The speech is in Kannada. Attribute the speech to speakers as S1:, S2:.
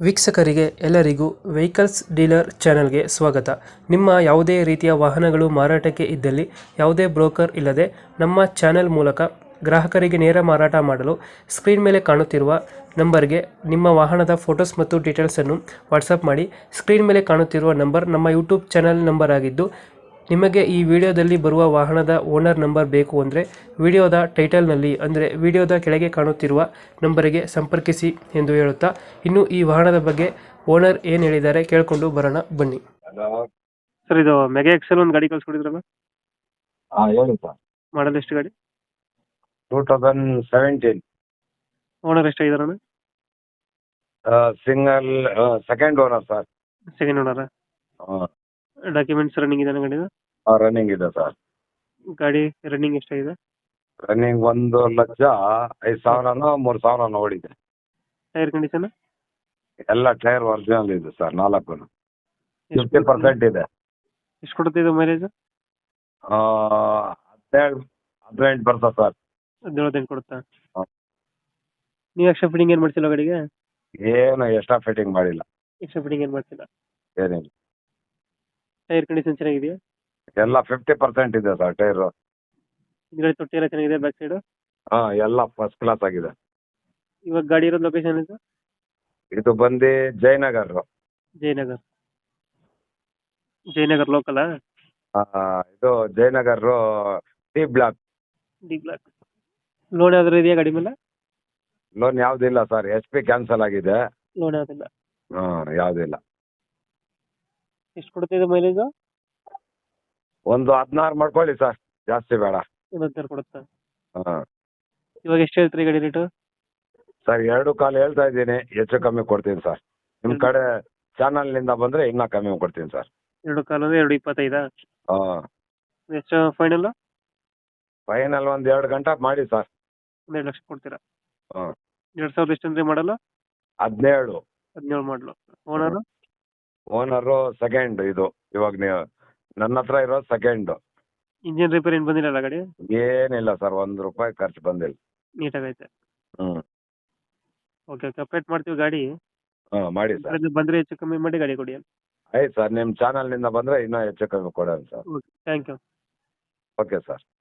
S1: ವೀಕ್ಷಕರಿಗೆ ಎಲ್ಲರಿಗೂ ವೆಹಿಕಲ್ಸ್ ಡೀಲರ್ ಚಾನೆಲ್ಗೆ ಸ್ವಾಗತ. ನಿಮ್ಮ ಯಾವುದೇ ರೀತಿಯ ವಾಹನಗಳು ಮಾರಾಟಕ್ಕೆ ಇದ್ದಲ್ಲಿ ಯಾವುದೇ ಬ್ರೋಕರ್ ಇಲ್ಲದೆ ನಮ್ಮ ಚಾನೆಲ್ ಮೂಲಕ ಗ್ರಾಹಕರಿಗೆ ನೇರ ಮಾರಾಟ ಮಾಡಲು ಸ್ಕ್ರೀನ್ ಮೇಲೆ ಕಾಣುತ್ತಿರುವ ನಂಬರ್ಗೆ ನಿಮ್ಮ ವಾಹನದ ಫೋಟೋಸ್ ಮತ್ತು ಡೀಟೇಲ್ಸನ್ನು ವಾಟ್ಸಪ್ ಮಾಡಿ. ಸ್ಕ್ರೀನ್ ಮೇಲೆ ಕಾಣುತ್ತಿರುವ ನಂಬರ್ ನಮ್ಮ ಯೂಟ್ಯೂಬ್ ಚಾನೆಲ್ ನಂಬರ್ ಆಗಿದ್ದು, ನಿಮಗೆ ಈ ವಿಡಿಯೋದಲ್ಲಿ ಬರುವ ವಾಹನದ ಓನರ್ ನಂಬರ್ ಬೇಕು ಅಂದರೆ ವಿಡಿಯೋದ ಟೈಟಲ್ನಲ್ಲಿ ಅಂದರೆ ವಿಡಿಯೋದ ಕೆಳಗೆ ಕಾಣುತ್ತಿರುವ ನಂಬರಿಗೆ ಸಂಪರ್ಕಿಸಿ ಎಂದು ಹೇಳುತ್ತಾ, ಇನ್ನು ಈ ವಾಹನದ ಬಗ್ಗೆ ಓನರ್ ಏನು ಹೇಳಿದ್ದಾರೆ ಕೇಳಿಕೊಂಡು ಬರೋಣ ಬನ್ನಿ.
S2: ಹಲೋ.
S1: ಸರ್, ಇದು ಮೆಗಾ ಎಕ್ಸೆಲ್ ಒಂದು ಗಾಡಿ ಕಳ್ಸ್ಕೊಡಿದ್ರಲ್ಲ,
S2: ಹಾಂ ಹೇಳಿ ಸರ್.
S1: ಮಾಡಲ್ ಎಷ್ಟು ಗಾಡಿ?
S2: 2017
S1: ಓನರ್ ಎಷ್ಟಾಗಿದಾರಣ?
S2: Single second owner sir.
S1: Second ಓನರ? ಡಾಕ್ಯುಮೆಂಟ್ಸ್ ರನ್ನಿಂಗ್ ಇದೆ ಗಾಡಿದು?
S2: ರನ್ನಿಂಗ್ ಇದೆ ಸರ್.
S1: ಗಾಡಿ ರನ್ನಿಂಗ್ ಎಷ್ಟಾಗಿದೆ?
S2: ರನ್ನಿಂಗ್ 1,05,000 3,000 ಓಡಿದೆ.
S1: Tyre condition?
S2: ಎಲ್ಲ ಟೈರ್ ಒರಿಜಿನಲ್ ಇದೆ ಸರ್. 4 50% ಇದೆ.
S1: ಎಷ್ಟು ಕೊಡುತ್ತೆ ಇದು ಮೈಲೇಜ್?
S2: 17-18 ಬರ್ತದೆ ಸರ್.
S1: 17 ಕೊಡುತ್ತಾ?
S2: ಹಾಂ.
S1: ನೀವು ಎಕ್ಸ್ಟ್ರಾ ಫಿಟ್ಟಿಂಗ್ ಏನು ಮಾಡ್ಸಿಲ್ಲ ಗಾಡಿಗೆ?
S2: ಏನು ಎಕ್ಸ್ಟ್ರಾ ಫಿಟ್ಟಿಂಗ್ ಮಾಡಿಲ್ಲ.
S1: ಎಕ್ಸ್ಟ್ರಾ ಫಿಟ್ಟಿಂಗ್ ಏನು ಮಾಡ್ಸಿಲ್ಲ?
S2: ಏನಿಲ್ಲ.
S1: ಟೈರ್ ಕಂಡೀಷನ್ ಚೆನ್ನಾಗಿದೆಯಾ?
S2: ಎಲ್ಲ 50% ಇದೆ ಸರ್ ಟೈರು.
S1: ಹಿಂದ್ಗಡೆ ತೊಟ್ಟಿ ಎಲ್ಲ ಚೆನ್ನಾಗಿದೆ ಬ್ಯಾಕ್ ಸೈಡು?
S2: ಹಾಂ, ಎಲ್ಲ ಫಸ್ಟ್ ಕ್ಲಾಸ್ ಆಗಿದೆ.
S1: ಇವಾಗ ಗಾಡಿ ಇರೋದು ಲೊಕೇಶನ್ ಇದು?
S2: ಇದು ಬಂದು ಜಯನಗರ್.
S1: ಜಯನಗರ್. ಜಯನಗರ್ ಲೋಕಲಾ?
S2: ಇದು Jayanagar T block.
S1: D block. Loan ಯಾವ್ದಾರು ಇದೆಯಾ ಗಾಡಿ ಮೇಲೆ?
S2: ಲೋನ್ ಯಾವುದಿಲ್ಲ ಸರ್. SP ಕ್ಯಾನ್ಸಲ್ ಆಗಿದೆ.
S1: ಲೋನ್ ಯಾವ್ದಿಲ್ಲ.
S2: ಯಾವುದಿಲ್ಲ.
S1: ಎಷ್ಟು ಕೊಡುತ್ತೆ ಇದು ಮೈಲೇಜು?
S2: ಒಂದು 16 ಮಾಡ್ಕೊಳ್ಳಿ ಸರ್, ಜಾಸ್ತಿ ಬೇಡ.
S1: ಒಂದು 16 ಕೊಡುತ್ತಾ?
S2: ಹಾಂ
S1: ಇವಾಗ ಎಷ್ಟು ಹೇಳ್ತೀರಿ ಗಾಡಿ ರೇಟು?
S2: ಸರ್, 2.25 ಹೇಳ್ತಾ ಇದ್ದೀನಿ. ಹೆಚ್ಚು ಕಮ್ಮಿ ಕೊಡ್ತೀನಿ ಸರ್. ನಿಮ್ಮ ಕಡೆ ಚಾನಲ್ನಿಂದ ಬಂದರೆ ಇನ್ನೂ ಕಮ್ಮಿ ಕೊಡ್ತೀನಿ ಸರ್.
S1: 2.25 ಅಂದ್ರೆ 2.25?
S2: ಹಾಂ.
S1: ಎಷ್ಟು ಫೈನಲ್?
S2: ಫೈನಲ್ ಒಂದು 2 ಗಂಟೆ ಮಾಡಿ ಸರ್.
S1: 1.5 ಲಕ್ಷ ಕೊಡ್ತೀರಾ?
S2: ಹಾಂ.
S1: 2000 ಎಷ್ಟು ಅಂದ್ರೆ ಮಾಡಲ್ಲ?
S2: 17.
S1: 17 ಮಾಡಲು. ಓನರು?
S2: Owner second. ಇದು ಇವಾಗ ನೀವು ನನ್ನ ಹತ್ರ ಇರೋದು ಸೆಕೆಂಡ್.
S1: ಇಂಜಿನ್ ರಿಪೇರ್ ಏನು ಬಂದಿಲ್ಲ ಗಾಡಿ?
S2: ಏನಿಲ್ಲ ಸರ್, ₹1 ಖರ್ಚು ಬಂದಿಲ್ಲ.
S1: ನೀಟಾಗೈತೆ.
S2: ಹ್ಞೂ.
S1: ಓಕೆ ಓಕೆ, ಅಪ್ಡೇಟ್ ಮಾಡ್ತೀವಿ ಗಾಡಿ.
S2: ಹಾಂ ಮಾಡಿ ಸರ್.
S1: ಬಂದರೆ ಹೆಚ್ಚು ಕಮ್ಮಿ ಮಾಡಿ ಗಾಡಿ ಕೊಡಿ.
S2: ಆಯ್ತು ಸರ್, ನಿಮ್ಮ ಚಾನಲ್ನಿಂದ ಬಂದರೆ ಇನ್ನೂ ಹೆಚ್ಚು ಕಮ್ಮಿ ಕೊಡೋಣ sir.
S1: Okay, thank you.
S2: Okay sir.